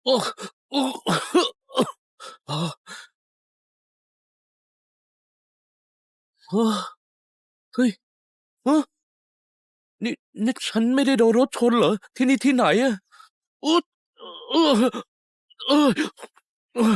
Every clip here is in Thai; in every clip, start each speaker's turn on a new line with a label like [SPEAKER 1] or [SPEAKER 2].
[SPEAKER 1] โอ้โอ้เฮ้ยฮะนี่นี่ฉันไม่ได้โดนรถชนเหรอที่นี่ที่ไหนอะอุ๊ดเออเออเออ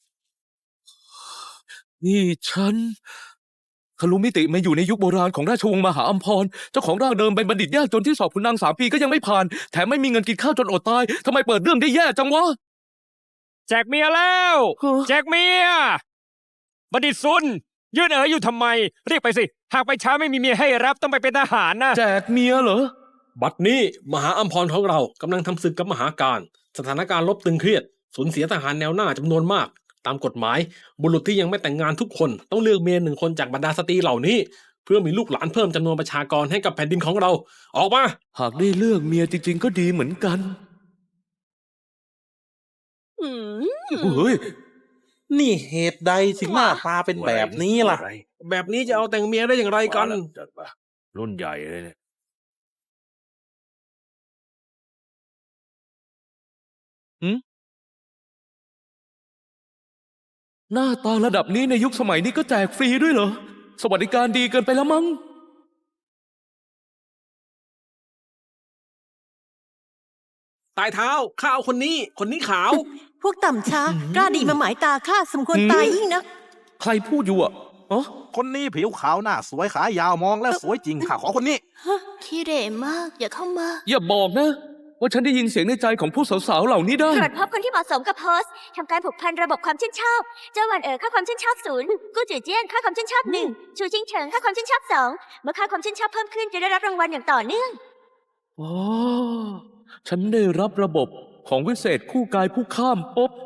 [SPEAKER 1] นี่ฉันทะลุมิติมาอยู่ในยุคโบราณของราชวงศ์มหาอัมพรเจ้าของร่างเดิมเป็นบัณฑิตยากจนที่สอบขุนนาง3 ปีก็ยังไม่ผ่านแถมไม่มีเงินกินข้าวจนอดตายทำไมเปิดเรื่องได้แย่จังวะ
[SPEAKER 2] แจกเมียแล้ว
[SPEAKER 1] ฮะ
[SPEAKER 2] แจกเมียบัณฑิตซุนยืนอยู่ทำไม เรียกไปสิ หากไปช้าไม่มีเมียให้รับต้องไปเป็นทหารนะ
[SPEAKER 1] แจกเมียเหรอ
[SPEAKER 3] บัดนี้มหาอัมพรของเรากำลังทำศึกกับมหาการสถานการณ์รบตึงเครียดสูญเสียทหารแนวหน้าจำนวนมาก ตามกฎหมายบุรุษที่ยังไม่แต่งงานทุกคนต้องเลือกเมีย1 คนจากบรรดาสตรีเหล่านี้ เพื่อมีลูกหลานเพิ่มจำนวนประชากรให้กับแผ่นดินของเรา ออกมา
[SPEAKER 1] หากได้เลือกเมียจริงๆก็ดีเหมือนกันเฮ้ย
[SPEAKER 4] นี่เหตุใดถึงหน้าตาเป็นแบบนี้ล่ะ
[SPEAKER 3] แบบนี้จะเอาแต่งเมียได้อย่างไรกัน
[SPEAKER 1] จัดมารุ่นใหญ่เลยเนี่ยหน้าตาระดับนี้ในยุคสมัยนี้ก็แจกฟรีด้วยเหรอ สวัสดิการดีเกินไปแล้วมั้ง
[SPEAKER 3] ตายเท้าข้าเอาคนนี้ขาว
[SPEAKER 5] พวกต่ำช้ากล้าดีมาหมายตาข้าสมควรตายยิ่งนัก
[SPEAKER 1] ใครพูดอยู่อ่ะอ๋อ
[SPEAKER 4] คนนี้ผิวขาวหน้าสวยขายาวมองแล้วสวยจริงข้าขอคนนี้
[SPEAKER 6] ขี้เหร่มาก อย่าเข้ามา
[SPEAKER 1] อย่าบอกนะ ว่าฉันได้ยินเสียงในใจของผู้สาวๆเหล่านี้ได้
[SPEAKER 6] ตรวจพบคนที่เหมาะสมกับโพสต์ทำการผูกพันระบบความชื่นชอบ เจ้าหวันค่าความชื่นชอบ0กู้จือเจี้ยนค่าความชื่นชอบ1ชูจิงเฉิงค่าความชื่นชอบ2เมื่อค่าความชื่นชอบเพิ่มขึ้นจะได้รับรางวัลอย่างต่อเนื่อง
[SPEAKER 1] อ๋อ ฉันได้รับระบบของวิเศษคู่กายผู้ข้ามภพ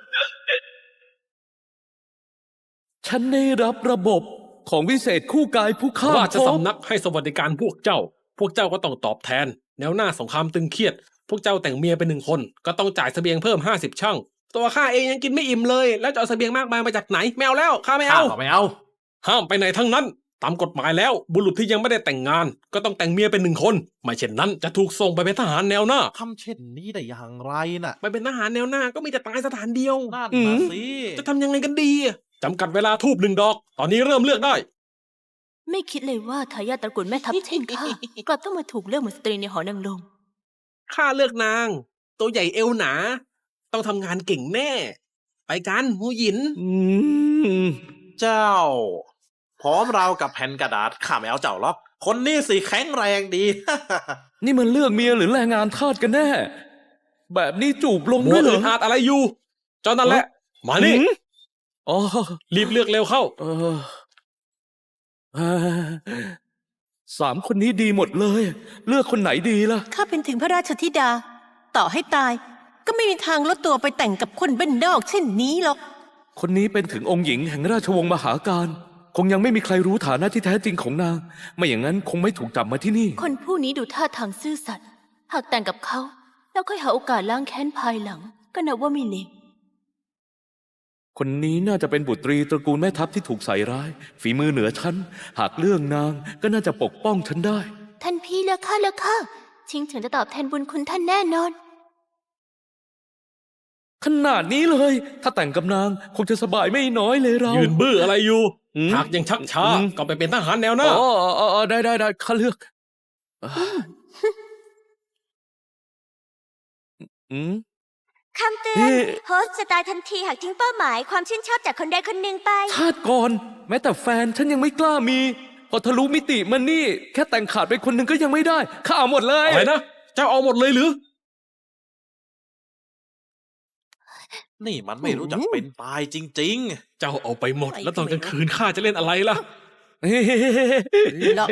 [SPEAKER 1] ฉันได้รับระบบของวิเศษคู่กายผู้ข้าม
[SPEAKER 3] ราช
[SPEAKER 1] ภพ
[SPEAKER 3] สำนักให้สวัสดิการพวกเจ้าก็ต้องตอบแทน แนวหน้าสงครามตึงเครียด พวกเจ้าแต่งเมียเป็น1 คนก็ต้องจ่ายเสบียงเพิ่ม50 ช่างตัวข้าเองยังกินไม่อิ่มเลย แล้วจะเอาเสบียงมากมายมาจากไหนไม่เอาแล้วข้าไม่เอา
[SPEAKER 4] ไม่เอา
[SPEAKER 3] ห้ามไปไหนทั้งนั้น ตามกฎหมายแล้วบุรุษที่ยังไม่ได้แต่งงาน ก็ต้องแต่งเมียเป็น1 คนไม่เช่นนั้นจะถูกส่งไปเป็นทหารแนวหน้า
[SPEAKER 4] ทำเช่นนี้ได้อย่างไรน่ะ
[SPEAKER 3] ไปเป็นทหารแนวหน้าก็มีแต่ตายสถานเดียว
[SPEAKER 4] นั่นนะสิ
[SPEAKER 3] จะทำยังไงกันดีจำกัดเวลาทูบ1 ดอก ตอนนี้เริ่มเลือกได้
[SPEAKER 6] ไม่คิดเลยว่าทายาทตระกูลแม่ทัพเช่นข้ากลับต้องมาถูกเลือกเหมือนสตรีในหอนางรม
[SPEAKER 3] ข้าเลือกนาง ตัวใหญ่เอวหนา ต้องทำงานเก่งแน่ ไปกันหูหยิน
[SPEAKER 1] อืม
[SPEAKER 4] เจ้า พร้อมเรากับแผ่นกระดาษข้าไม่เอาเจ้าหรอกคนนี้สิแข็งแรงดี
[SPEAKER 1] นี่มันเลือกเมียหรือแรงงานทาสกันแน่ แบบนี้จูบลง
[SPEAKER 3] มั
[SPEAKER 1] ด้
[SPEAKER 3] ว
[SPEAKER 1] วยเหร
[SPEAKER 3] อึ
[SPEAKER 1] อ
[SPEAKER 3] ดอัดอะไรอยู่เจ้านั่นแหละ มานี่
[SPEAKER 1] หืมอ๋อ
[SPEAKER 3] รีบเลือกเร็วเข้า
[SPEAKER 1] เออเอ่อ3 คนนี้ดีหมดเลย เลือกคนไหนดีล่ะ
[SPEAKER 5] ข้าเป็นถึงพระราชธิดา ต่อให้ตาย ก็ไม่มีทางลดตัวไปแต่งกับคนบ้านนอกเช่นนี้หรอก
[SPEAKER 1] คนนี้เป็นถึงองค์หญิงแห่งราชวงศ์มหาการ คงยังไม่มีใครรู้ฐานะที่แท้จริงของนาง ไม่อย่างนั้นคงไม่ถูกจับมาที่นี่
[SPEAKER 6] คนผู้นี้ดูท่าทางซื่อสัตย์ หากแต่งกับเขา แล้วค่อยหาโอกาสล้างแค้นภายหลัง ก็นับว่าไม่เลว
[SPEAKER 1] คนนี้น่าจะเป็นบุตรีตระกูลแม่ทัพที่ถูกใส่ร้าย ฝีมือเหนือฉัน หากเรื่องนางก็น่าจะปกป้องฉันได้
[SPEAKER 6] ท่านพี่เลือกข้าชิงเฉิงจะตอบแทนบุญคุณท่านแน่นอน
[SPEAKER 1] ขนาดนี้เลย ถ้าแต่งกับนางคงจะสบายไม่น้อยเลยเรา
[SPEAKER 3] ยืนบื้ออะไรอยู่
[SPEAKER 1] อืม
[SPEAKER 3] หากยังชักช้า
[SPEAKER 1] อืม
[SPEAKER 3] ก็ไปเป็นทหารแนวหน้า
[SPEAKER 1] อ๋อได้ข้าเลือกอืม
[SPEAKER 6] คำเตือน
[SPEAKER 1] เอ๊ะ
[SPEAKER 6] โฮสต์จะตายทันทีหากทิ้งเป้าหมายความชื่นชอบจากคนใดคนหนึ่งไป
[SPEAKER 1] ชาติก่อน แม้แต่แฟนฉันยังไม่กล้ามี พอทะลุมิติมันนี่ แค่แต่งขาดไปคนหนึ่งก็ยังไม่ได้ข้าเอาหมดเลย
[SPEAKER 3] อะไรนะ เจ้าเอาหมดเลยหรือ
[SPEAKER 4] นี่มันไม่รู้จักเป็นตายจริง
[SPEAKER 3] เจ้าเอาไปหมด แล้วตอนกลางคืนข้าจะเล่นอะไรล่ะ
[SPEAKER 5] แล้ว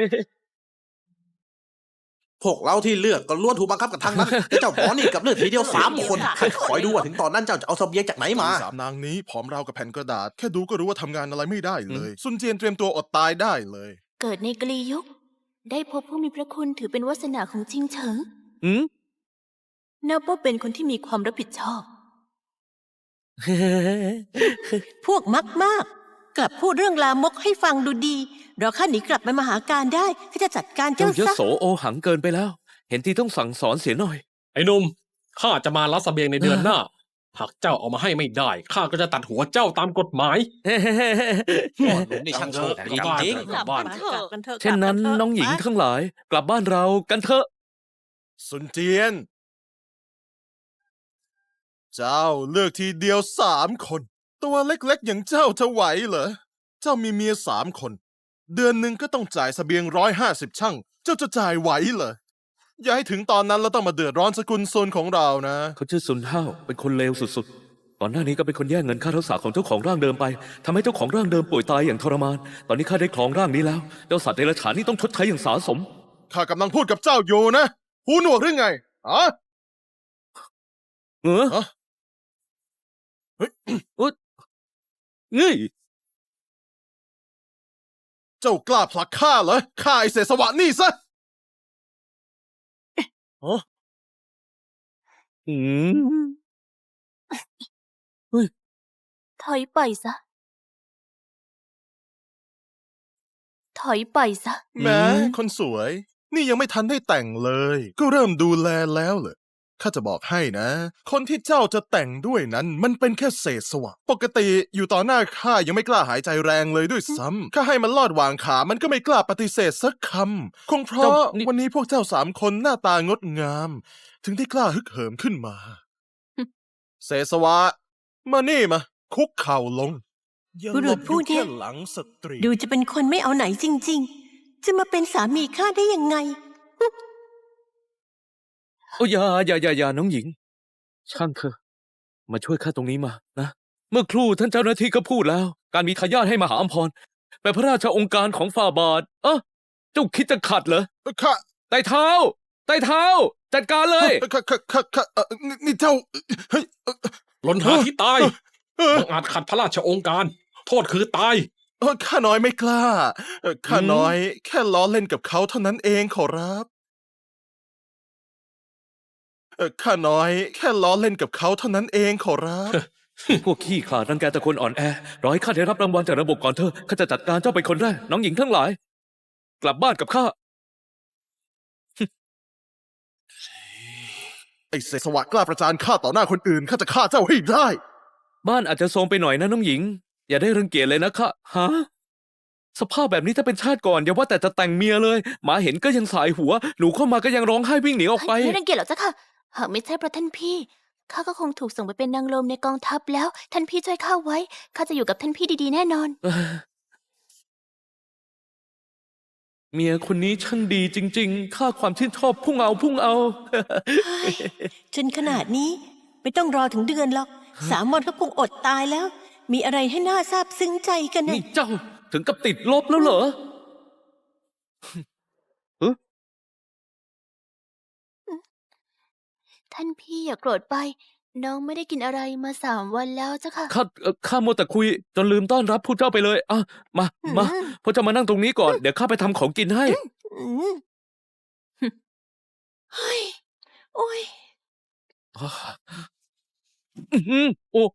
[SPEAKER 4] ๆ พวกเราที่เลือกก็ล้วนถูกบังคับกับทางนั้นแต่เจ้าหมอนี่กับเลือดทีเดียว3 คนคอยดูว่าถึงตอนนั้นเจ้าจะเอาเสบียงจากไหนมา
[SPEAKER 7] 3 นางนี้ผอมราวกับแผ่นกระดาษ แค่ดูก็รู้ว่าทำงานอะไรไม่ได้เลย ซุนเจียนเตรียมตัวอดตายได้เลย
[SPEAKER 6] เกิดในกลียุค ได้พบผู้มีพระคุณถือเป็นวาสนาของชิงเฉิง
[SPEAKER 1] อืม
[SPEAKER 6] นับว่าเป็นคนที่มีความรับผิดชอบ
[SPEAKER 5] พวกมักมาก กลับพูดเรื่องลามกให้ฟังดูดี เราข้าหนีกลับไปมหาการได้ข้าจะจัดการ
[SPEAKER 1] เจ้า
[SPEAKER 5] เจ้าย ซะ
[SPEAKER 1] โสโอหังเกินไปแล้ว เห็นทีต้องสั่งสอนเสียหน่อย
[SPEAKER 3] ไอ้หนุ่มข้าจะมารับเสบียงในเดือนหน้าหากเจ้าเอามาให้ไม่ได้ข้าก็จะตัดหัวเจ้าตามกฎหมาย
[SPEAKER 4] พ่อหนุ่มนี่ช่างโชคดีจริง
[SPEAKER 3] กลับบ้าน
[SPEAKER 5] กลับกันเถอะ
[SPEAKER 1] เช่นนั้น
[SPEAKER 5] กลับกัถะ
[SPEAKER 1] น้องหญิง
[SPEAKER 5] ไป
[SPEAKER 1] ทั้งหลาย กลับบ้านเรากันเถอะ
[SPEAKER 7] สุนเจียน เจ้าเลือกทีเดียว3 คน ตัวเล็กๆอย่างเจ้าจะไหวเหรอ เจ้ามีเมีย3 คน เดือนหนึ่งก็ต้องจ่ายเสบียง150 ชั่ง เจ้าจะจ่ายไหวเหรอ อย่าให้ถึงตอนนั้นเราต้องมาเดือดร้อนสกุลโซนของเรานะ
[SPEAKER 1] เขาชื่อซุนห้าวเป็นคนเลวสุดๆ ก่อนหน้านี้ก็เป็นคนแย่งเงินค่ารักษาของเจ้าของร่างเดิมไปทำให้เจ้าของร่างเดิมป่วยตายอย่างทรมาน ตอนนี้ข้าได้ครองร่างนี้แล้ว เจ้าสัตว์เดรัจฉานนี่ต้องชดใช้อย่างสาสม
[SPEAKER 7] ข้ากำลังพูดกับเจ้าอยู่นะ หูหนวกหรือไงอ๋อ
[SPEAKER 1] เออ
[SPEAKER 7] ฮะ
[SPEAKER 1] เฮ้ยงี้
[SPEAKER 7] เจ้ากล้าผลักข้าเหรอฆ่าไอเสสวะนี่ซะ
[SPEAKER 1] อืม
[SPEAKER 6] ถอยไปซะ ถอยไปซะ
[SPEAKER 7] แหม้คนสวย นี่ยังไม่ทันได้แต่งเลย ก็เริ่มดูแลแล้วเหรอข้าจะบอกให้นะ คนที่เจ้าจะแต่งด้วยนั้น มันเป็นแค่เศษสวะ ปกติอยู่ต่อหน้าข้ายังไม่กล้าหายใจแรงเลยด้วยซ้ำข้าให้มันลอดวางขา มันก็ไม่กล้าปฏิเสธสักคำ คงเพราะวันนี้พวกเจ้า3 คนหน้าตางดงาม ถึงได้กล้าฮึกเหิมขึ้นมา เศษสวะ มานี่มา คุกเข่าลง
[SPEAKER 5] บุรุษผู้เนี่ย
[SPEAKER 7] อาหลบอแค่หลังสตรี
[SPEAKER 5] ดูจะเป็นคนไม่เอาไหนจริง ๆ จะมาเป็นสามีข้าได้ยังไง
[SPEAKER 1] โอ้อย่าน้องหญิง ช่างเถอะ มาช่วยข้าตรงนี้มานะ เมื่อครู่ท่านเจ้าหน้าที่ก็พูดแล้ว การมีทายาทให้มหาอัมพรเป็นพระราชองค์การของฝ่าบาท เจ้าคิดจะขัดเหรอ
[SPEAKER 7] ข้า
[SPEAKER 1] ไต่เท้า จัดการเลย
[SPEAKER 7] ข้านี่เจ้า เฮ้ย
[SPEAKER 3] หล่นหาที่ตายบังอาจขัดพระราชองค์การ โทษคือตาย
[SPEAKER 7] ข้าน้อยไม่กล้าข้าน้อยแค่ล้อเล่นกับเขาเท่านั้นเองขอรับข้าน้อยแค่ล้อเล่นกับเขาเท่านั้นเองขอรับ
[SPEAKER 1] พวกขี้ขลาดรังแกแต่คนอ่อนแอ รอให้ข้าได้รับรางวัลจากระบบก่อนเถอะข้าจะจัดการเจ้าเป็นคนแรก น้องหญิงทั้งหลาย กลับบ้านกับข้า
[SPEAKER 7] ไอ้เสสวะกล้าประจานข้าต่อหน้าคนอื่นข้าจะฆ่าเจ้าให้ได้
[SPEAKER 1] บ้านอาจจะโทรมไปหน่อยนะน้องหญิง อย่าได้รังเกียจเลยนะข้าฮะสภาพแบบนี้ถ้าเป็นชาติก่อนอย่าว่าแต่จะแต่งเมียเลยหมาเห็นก็ยังสายหัว หนูเข้ามาก็ยังร้องไห้วิ่งหนีออกไป
[SPEAKER 6] ไม่รังเกียจหรอกเจ้าค่ะ หากไม่ใช่เพราะท่านพี่ ข้าก็คงถูกส่งไปเป็นนางลมในกองทัพแล้ว ท่านพี่ช่วยข้าไว้ ข้าจะอยู่กับท่านพี่ดีๆแน่นอน
[SPEAKER 1] เมียคนนี้ช่างดีจริงๆ ค่าความชื่นชอบพุ่งเอา
[SPEAKER 5] จนขนาดนี้ไม่ต้องรอถึงเดือนหรอก 3 วันก็คงอดตายแล้ว มีอะไรให้น่าซาบซึ้งใจกันนะ
[SPEAKER 1] นี่เจ้าถึงกับติดลบแล้วเหรอ
[SPEAKER 6] ท่านพี่อย่าโกรธไป น้องไม่ได้กินอะไรมา3 วันแล้วเจ้าค่ะ
[SPEAKER 1] ข้ามัวแต่คุยจนลืมต้อนรับผู้เจ้าไปเลยมาพวกเจ้ามานั่งตรงนี้ก่อน เดี๋ยวข้าไปทำของกินให้
[SPEAKER 5] อืมเฮ้ย โอ้ย
[SPEAKER 1] โอ้โห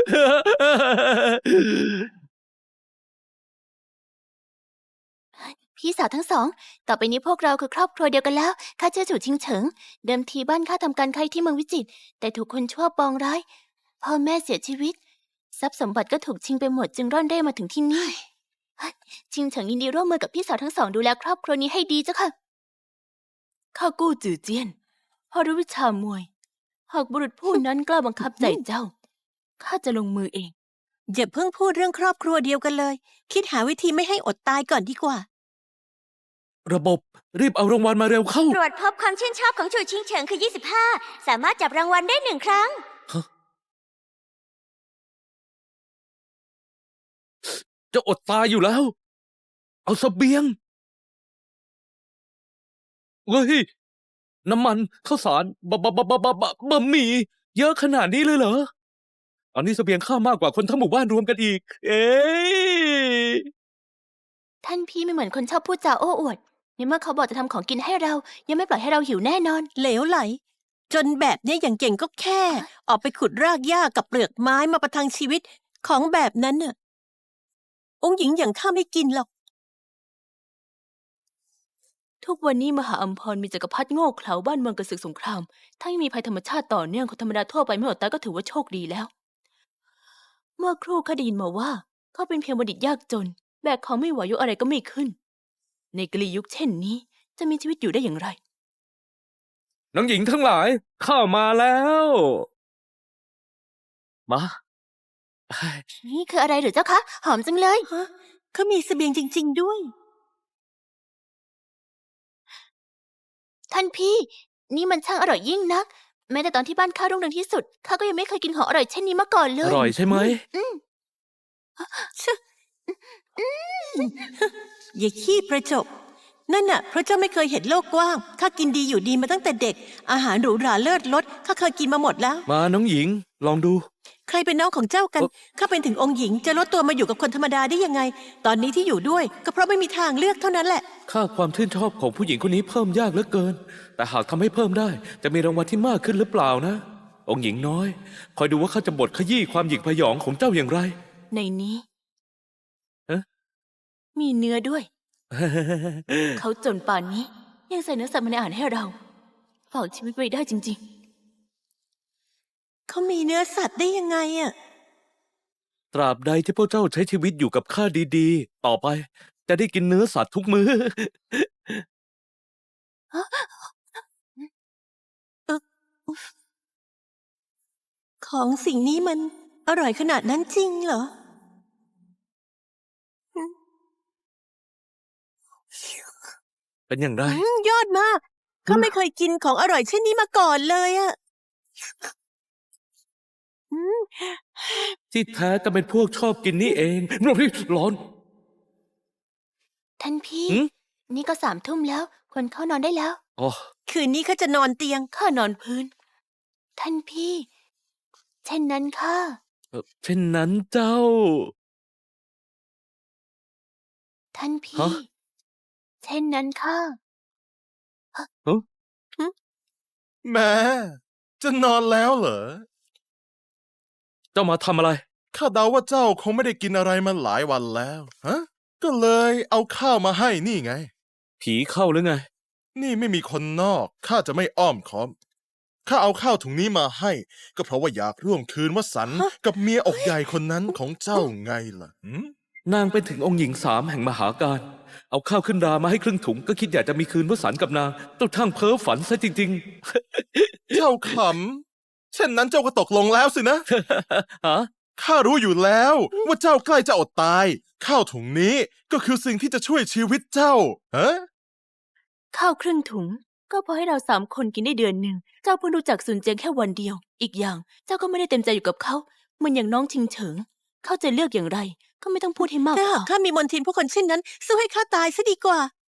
[SPEAKER 6] พี่สาวทั้งสอง ต่อไปนี้พวกเราคือครอบครัวเดียวกันแล้ว ข้าชื่อจู่ชิงเฉิง เดิมทีบ้านข้าทำการค้าที่เมืองวิจิตร แต่ถูกคนชั่วปองร้าย พ่อแม่เสียชีวิต ทรัพย์สมบัติก็ถูกชิงไปหมดจึงร่อนเร่มาถึงที่นี่ ชิงเฉิงยินดีร่วมมือกับพี่สาวทั้งสองดูแลครอบครัวนี้ให้ดีเจ้าค่ะ ข้ากู้จื่อเจี้ยนพอรู้วิชามวย หากบุรุษผู้นั้นกล้าบังคับใจเจ้า ข้าจะลงมือเอง
[SPEAKER 5] อย่าเพิ่งพูดเรื่องครอบครัวเดียวกันเลย คิดหาวิธีไม่ให้อดตายก่อนดีกว่า
[SPEAKER 1] ระบบรีบเอารางวัลมาเร็วเข้า
[SPEAKER 6] ตรวจพบความชื่นชอบของจู่ชิงเฉิงคือ 25 สามารถจับรางวัลได้1 ครั้ง
[SPEAKER 1] จะอดตายอยู่แล้ว เอาเสบียงเฮ้ยน้ำมันข้าวสารบะหมี่เยอะขนาดนี้เลยเหรอตอนนี้เสบียงข้ามากกว่าคนทั้งหมู่บ้านรวมกันอีก เอ๊ะ
[SPEAKER 6] ท่านพี่ไม่เหมือนคนชอบพูดจาโอ้อวดในเมื่อเขาบอกจะทำของกินให้เรา ยังไม่ปล่อยให้เราหิวแน่นอน
[SPEAKER 5] เหลวไหล จนแบบเนี้ยอย่างเก่งก็แค่ ออกไปขุดรากหญ้ากับเปลือกไม้มาประทังชีวิตของแบบนั้นน่ะ องค์หญิงอย่างข้าไม่กินหรอก
[SPEAKER 6] โถทุกวันนี้มหาอัมพรมีจักรพรรดิโง่เขลาบ้านเมืองกระสึกสงคราม ถ้าไม่มีภัยธรรมชาติต่อเนื่องคนธรรมดาทั่วไปไม่อดตายก็ถือว่าโชคดีแล้ว เมื่อครู่ข้าได้ยินมาว่าเขาเป็นเพียงบัณฑิตยากจน แบกของไม่ไหวยกอะไรก็ไม่ขึ้น ในกลียุคเช่นนี้จะมีชีวิตอยู่ได้อย่างไร
[SPEAKER 1] น้องหญิงทั้งหลาย ข้ามาแล้ว มา
[SPEAKER 6] นี่คืออะไรหรือเจ้าคะ หอมจังเลย
[SPEAKER 5] ฮะเขามีเสบียงจริง ๆ ด้วย
[SPEAKER 6] ท่านพี่ นี่มันช่างอร่อยยิ่งนัก แม้แต่ตอนที่บ้านข้ารุ่งเรืองที่สุดข้าก็ยังไม่เคยกินของอร่อยเช่นนี้มาก่อนเล
[SPEAKER 1] อย ร่อยใช่ไหม
[SPEAKER 5] อย่าขี้ประจบ นั่นน่ะเพราะเจ้าไม่เคยเห็นโลกกว้าง ข้ากินดีอยู่ดีมาตั้งแต่เด็ก อาหารหรูหราเลิศรสข้าเคยกินมาหมดแล้ว
[SPEAKER 1] มาน้องหญิง ลองดู
[SPEAKER 5] ใครเป็นน้องของเจ้ากัน ข้าเป็นถึงองค์หญิงจะลดตัวมาอยู่กับคนธรรมดาได้ยังไง ตอนนี้ที่อยู่ด้วย ก็เพราะไม่มีทางเลือกเท่านั้นแหละ
[SPEAKER 1] ค่าความชื่นชอบของผู้หญิงคนนี้เพิ่มยากเหลือเกิน แต่หากทำให้เพิ่มได้ จะมีรางวัลที่มากขึ้นหรือเปล่านะ องค์หญิงน้อย คอยดูว่าข้าจะบดขยี้ความหยิ่งพยองของเจ้าอย่างไร
[SPEAKER 6] ในนี้
[SPEAKER 1] เอ๊ะ
[SPEAKER 6] มีเนื้อด้วย เขาจนป่านนี้ ยังใส่เนื้อสัตว์มาในอาหารให้เราฝากชีวิตไว้ได้จริง
[SPEAKER 5] เขามีเนื้อสัตว์ได้ยังไงอะ
[SPEAKER 1] ตราบใดที่พวกเจ้าใช้ชีวิตอยู่กับข้าดีๆ ต่อไป จะได้กินเนื้อสัตว์ทุกมื้อ
[SPEAKER 5] ของสิ่งนี้มันอร่อยขนาดนั้นจริงเหรอ
[SPEAKER 1] เป็นอย่างไร
[SPEAKER 5] ยอดมากข้าไม่เคยกินของอร่อยเช่นนี้มาก่อนเลยอะอืม
[SPEAKER 1] ที่แท้ก็เป็นพวกชอบกินนี่เองร้อน
[SPEAKER 6] ๆ ท่านพี่
[SPEAKER 1] หืม
[SPEAKER 6] นี่ก็3 ทุ่มแล้ว ควรเข้านอนได้แล้ว
[SPEAKER 1] อ๋อ
[SPEAKER 5] คืนนี้ข้าจะนอนเตียง
[SPEAKER 6] ข้านอนพื้น ท่านพี่ เช่นนั้นค่ะ
[SPEAKER 1] เช่นนั้นเจ้า
[SPEAKER 6] ท่านพี่
[SPEAKER 1] ฮะ
[SPEAKER 6] เช่นนั้นค่ะ
[SPEAKER 7] แม่จะนอนแล้วเหรอ
[SPEAKER 1] เจ้ามาทำอะไร
[SPEAKER 7] ข้าเดาว่าเจ้าคงไม่ได้กินอะไรมาหลายวันแล้ว ฮะ ก็เลยเอาข้าวมาให้นี่ไง
[SPEAKER 1] ผีเข้าหรือไง
[SPEAKER 7] นี่ไม่มีคนนอก ข้าจะไม่อ้อมค้อม ข้าเอาข้าวถุงนี้มาให้ ก็เพราะว่าอยากร่วมคืนวสันต์กับเมียอกใหญ่คนนั้นของเจ้าไงล่ะหืม
[SPEAKER 1] นางเป็นถึงองค์หญิง3 แห่งมหาการ เอาข้าวขึ้นรามาให้ครึ่งถุง ก็คิดอยากจะมีคืนวสันต์กับนางเจ้าทั้งเพ้อฝันซะจริง
[SPEAKER 7] เจ้าขำ เช่นนั้นเจ้าก็ตกลงแล้วสินะ
[SPEAKER 1] ๆ ฮะ
[SPEAKER 7] ข้ารู้อยู่แล้วว่าเจ้าใกล้จะอดตาย ข้าวถุงนี้ก็คือสิ่งที่จะช่วยชีวิตเจ้า ฮะ
[SPEAKER 6] ข้าวครึ่งถุง ก็พอให้เรา3 คนกินได้เดือนหนึ่ง เจ้าเพิ่งรู้จักซุนเจียงแค่วันเดียว อีกอย่าง เจ้าก็ไม่ได้เต็มใจอยู่กับเขาเหมือนอย่างน้องชิงเฉิง เขาจะเลือกอย่างไร ก็ไม่ต้องพูดให้มาก
[SPEAKER 5] ถ้า
[SPEAKER 6] พ
[SPEAKER 5] หา
[SPEAKER 6] อก
[SPEAKER 5] ข้ามีมนทินผู้คนเช่นนั้นสู้ให้ข้าตายซะดีกว่า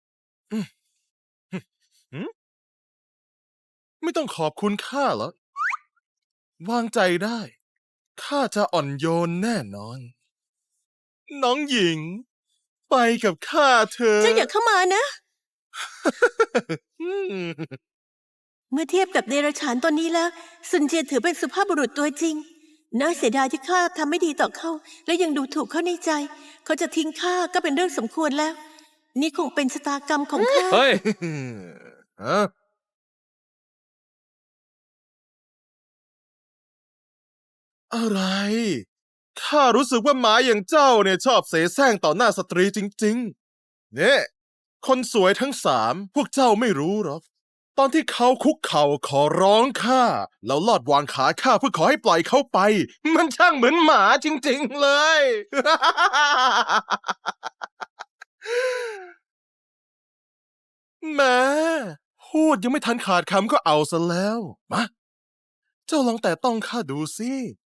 [SPEAKER 7] ไม่ต้องขอบคุณข้าหรอกวางใจได้ ข้าจะอ่อนโยนแน่นอน น้องหญิง ไปกับข้าเถอะ
[SPEAKER 5] เจ้าอย่าเข้ามานะ
[SPEAKER 7] อืม
[SPEAKER 5] เมื่อเทียบกับเดรัจฉานตัวนี้แล้วซุนเจียถือเป็นสุภาพบุรุษตัวจริง น่าเสียดายที่ข้าทำไม่ดีต่อเขา และยังดูถูกเขาในใจ เขาจะทิ้งข้าก็เป็นเรื่องสมควรแล้ว นี่คงเป็นชะตากรรมของข้า
[SPEAKER 1] เฮ้ย
[SPEAKER 7] ฮะอะไร ข้ารู้สึกว่าหมาอย่างเจ้าเนี่ยชอบเสแสร้งต่อหน้าสตรีจริงๆ เนี่ย คนสวยทั้ง3 พวกเจ้าไม่รู้หรอก ตอนที่เขาคุกเข่าขอร้องข้า แล้วลอดวางขาข้าเพื่อขอให้ปล่อยเขาไป มันช่างเหมือนหมาจริงๆเลย แหม่พูดยังไม่ทันขาดคำก็เอาซะแล้ว มา เจ้าลองแต่ต้องข้าดูสิ